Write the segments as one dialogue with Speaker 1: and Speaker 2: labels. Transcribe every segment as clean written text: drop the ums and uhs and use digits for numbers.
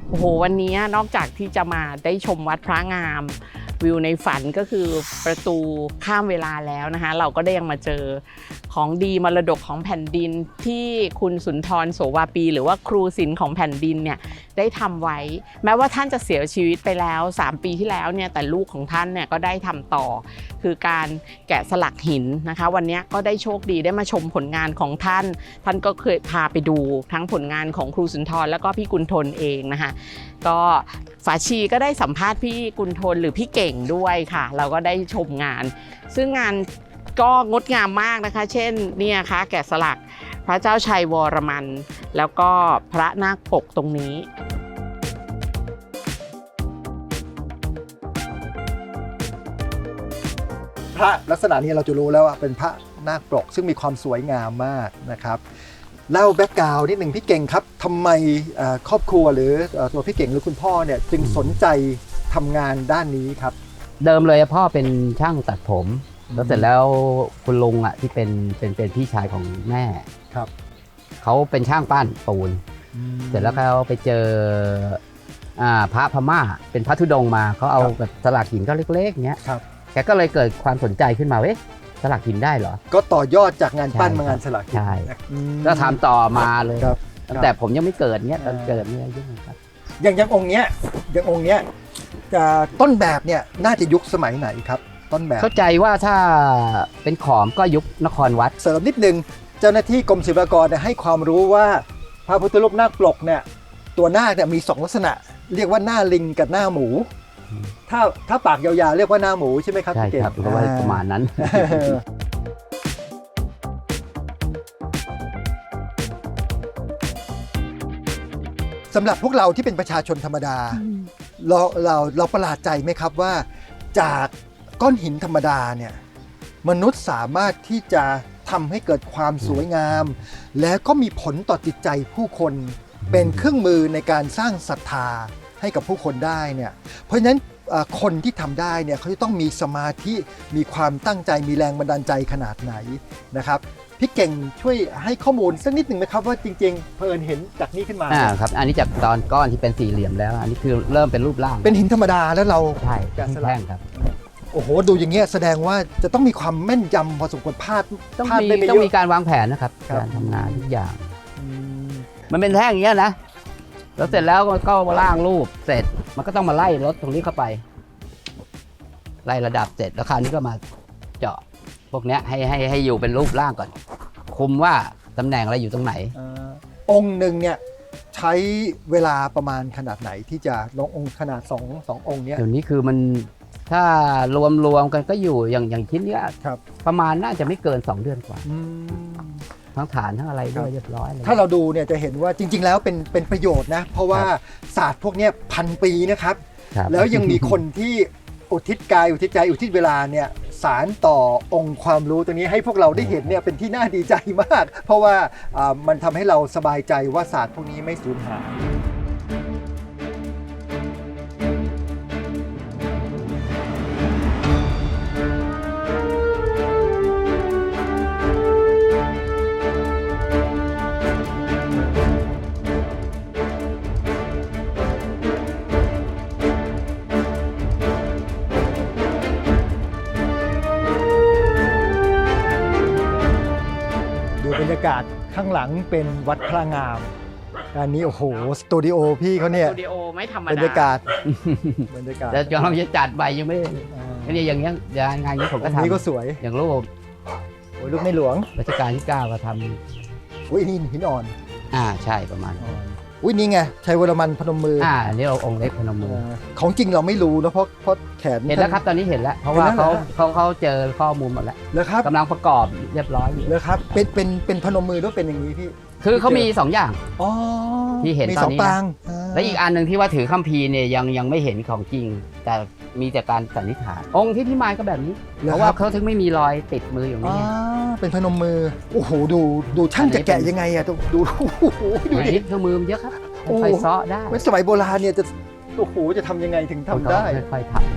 Speaker 1: โอ้โหวันนี้นอกจากที่จะมาได้ชมวัดพระงามวิวในฝันก็คือประตูข้ามเวลาแล้วนะคะเราก็ได้ยังมาเจอของดีมรดกของแผ่นดินที่คุณสุนทรโสวาปีหรือว่าครูศิลป์ของแผ่นดินเนี่ยได้ทำไว้แม้ว่าท่านจะเสียชีวิตไปแล้ว3 ปีที่แล้วเนี่ยแต่ลูกของท่านเนี่ยก็ได้ทำต่อคือการแกะสลักหินนะคะวันนี้ก็ได้โชคดีได้มาชมผลงานของท่านก็เคยพาไปดูทั้งผลงานของครูสุนทรแล้วก็พี่กุลทนเองนะคะก็ฝาชีก็ได้สัมภาษณ์พี่กุลทนหรือพี่เก่งด้วยค่ะเราก็ได้ชมงานซึ่งงานก็งดงามมากนะคะเช่นเนี่ยค่ะแกะสลักพระเจ้าชัยวรมันแล้วก็พระนาคปกตรงนี้
Speaker 2: พระลักษณะนี้เราจะรู้แล้วว่าเป็นพระนาคปกซึ่งมีความสวยงามมากนะครับเล่าแบ็กกราวด์นิดหนึ่งพี่เก่งครับทำไมครอบครัวหรือตัวพี่เก่งหรือคุณพ่อเนี่ยจึงสนใจทำงานด้านนี้ครับ
Speaker 3: เดิมเลยพ่อเป็นช่างตัดผมแล้วเสร็จแล้วคุณลุงอ่ะที่เป็นพี่ชายของแม่
Speaker 2: ครับ
Speaker 3: เขาเป็นช่างปั้นปูนเสร็จแล้วเขาไปเจอพระพม่าเป็นพระธุดงค์มาเขาเอาแบบสลักหินก็เล็กๆเงี้ยแกก็เลยเกิดความสนใจขึ้นมาเว้ยสลักหินได้เหรอ
Speaker 2: ก็ต่อยอดจากงานปั้นมางานสลักหิน
Speaker 3: ใช่ก็ทำต่อมาเลยแต่ผมยังไม่เกิดเงี้ยตอนเกิดเนี่ยยุ่งครับ
Speaker 2: อย่างองค์เนี้ยต้นแบบเนี่ยน่าจะยุคสมัยไหนครับต้นแบบ
Speaker 3: เข้าใจว่าถ้าเป็นขอมก็ยุคนครวัด
Speaker 2: เสริมนิดนึงเจ้าหน้าที่กรมศิลปากรให้ความรู้ว่าพระพุทธรูปนาคปกเนี่ยตัวนาคเนี่ยมี2ลักษณะเรียกว่าหน้าลิงกับหน้าหมูถ้าปากยาวๆเรียกว่าหน้าหมูใช่ไหมครับ
Speaker 3: ใช่ครับก็ว่าประมาณนั้น
Speaker 2: สำหรับพวกเราที่เป็นประชาชนธรรมดาเราประหลาดใจไหมครับว่าจากก้อนหินธรรมดาเนี่ยมนุษย์สามารถที่จะทำให้เกิดความสวยงามและก็มีผลต่อจิตใจผู้คนเป็นเครื่องมือในการสร้างศรัทธาให้กับผู้คนได้เนี่ยเพราะฉะนั้นคนที่ทำได้เนี่ยเขาจะต้องมีสมาธิมีความตั้งใจมีแรงบันดาลใจขนาดไหนนะครับพี่เก่งช่วยให้ข้อมูลสักนิดหนึ่งไหมครับว่าจริงๆเพลินเห็นจากนี้ขึ้นมา
Speaker 3: ครับอันนี้จากตอนก้อนที่เป็นสี่เหลี่ยมแล้วอันนี้คือเริ่มเป็นรูปร่าง
Speaker 2: เป็นหินธรรมดาแล้วเรา
Speaker 3: ใช่แท่งครับ
Speaker 2: โอ้โหดูอย่างเงี้ยแสดงว่าจะต้องมีความแม่นยำพอสมควรพลาด
Speaker 3: ต้องมีการวางแผนนะครับการทำงานทุกอย่างมันเป็นแท่งอย่างเงี้ยนะแล้วเสร็จแล้วก็ล่างรูปเสร็จมันก็ต้องมาไล่รถตรงนี้เข้าไปไล่ระดับเสร็จแล้วคราวนี้ก็มาเจาะพวกนี้ให้อยู่เป็นรูปร่างก่อนคุมว่าตำแหน่งอะไรอยู่ตรงไหน
Speaker 2: องค์หนึ่งเนี่ยใช้เวลาประมาณขนาดไหนที่จะลงองค์ขนาด2องค์เนี้ย
Speaker 3: เดี๋ยวนี้คือมันถ้ารวมกันก็อยู่อย่างชิ้นนี้ประมาณน่าจะไม่เกิน2 เดือนกว่าทั้งฐานทั้งอะไรด้วยเรียบร้อย
Speaker 2: ถ้าเราดูเนี่ยจะเห็นว่าจริงๆแล้วเป็นประโยชน์นะเพราะว่าศาสตร์พวกนี้1,000 ปีนะครับแล้วยังมีคนที่อุทิศกายอุทิศใจอุทิศเวลาเนี่ยสารต่อองค์ความรู้ตรงนี้ให้พวกเราได้เห็นเนี่ยเป็นที่น่าดีใจมากเพราะว่ามันทำให้เราสบายใจว่าศาสตร์พวกนี้ไม่สูญหายบรรยากาศข้างหลังเป็นวัดพระงามอันนี้โอ้โหสตูดิโอพี่เขาเนี่ย
Speaker 1: สตูดิโอไม่ธรรมดา
Speaker 2: บรรยากาศ
Speaker 3: แต่เราจะจัดใบยังไม่นี่อย่างเงี้ยงานนี้ผมก็ทำ
Speaker 2: นี่ก็สวย
Speaker 3: อย่างรูป
Speaker 2: รูปในหลวง
Speaker 3: รัชกาลที่ 9ก็ท
Speaker 2: ำอุ้ยนี่หินอ่อน
Speaker 3: ใช่ประมาณ
Speaker 2: อุ้ยนี่ไงชัยวรมันพนมมือ
Speaker 3: อันนี้เราองค์เล็กพนมมือ
Speaker 2: ของจริงเราไม่รู้นะเพราะแขน
Speaker 3: เห็นแล้วครับตอนนี้เห็นแล้วเพราะว่าเขาเจอข้อมูลหมดแล้วกำลังประกอบเรียบร้อย
Speaker 2: เลยครับเป็นพนมมือด้วยเป็นอย่างนี้พี่
Speaker 3: คือเขามี2 อย่างที่เห็นตอนนี้และอีกอันหนึ่งที่ว่าถือคัมภีร์เนี่ยยังไม่เห็นของจริงแต่มีแต่การสันนิษฐานองค์ที่พิมายก็แบบนี้เพราะว่าเขาถึงไม่มีรอยติดมืออย่างนี้
Speaker 2: เป็นพนมมือโอ้โหดูช่างจะแกะยังไงอะดู
Speaker 3: ดิเครื่องมือมันเยอะครับไฟซ้อได้
Speaker 2: สมัยโบราณเนี่ยจะโอ้โหจะทำยังไงถึงทำได้
Speaker 3: ค่อยๆทำ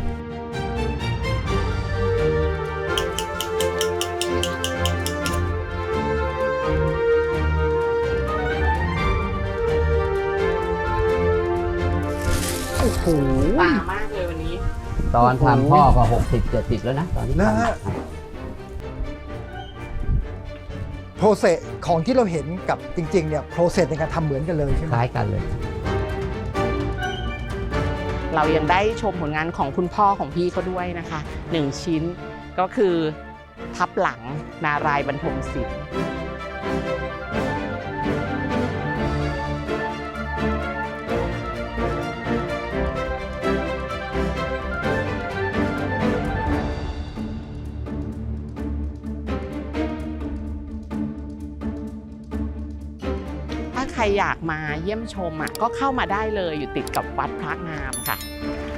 Speaker 2: โอ้โห
Speaker 1: ตามากเลยวันนี้
Speaker 3: ตอนทำพ่อก็60-70แล้วนะตอนที่
Speaker 2: นะ
Speaker 3: ทำ
Speaker 2: ฮะ โปรเซสของที่เราเห็นกับจริงๆเนี่ยโปรเซสในการทำเหมือนกันเลยใช่ไห
Speaker 3: ค
Speaker 2: ม
Speaker 3: ล้ายกันเลย
Speaker 1: เรายังได้ชมผลงานของคุณพ่อของพี่เขาด้วยนะคะ1ชิ้นก็คือทับหลังนารายณ์บรรทมศิลป์ถ้าใครอยากมาเยี่ยมชมก็เข้ามาได้เลยอยู่ติดกับวัดพระงามค่ะ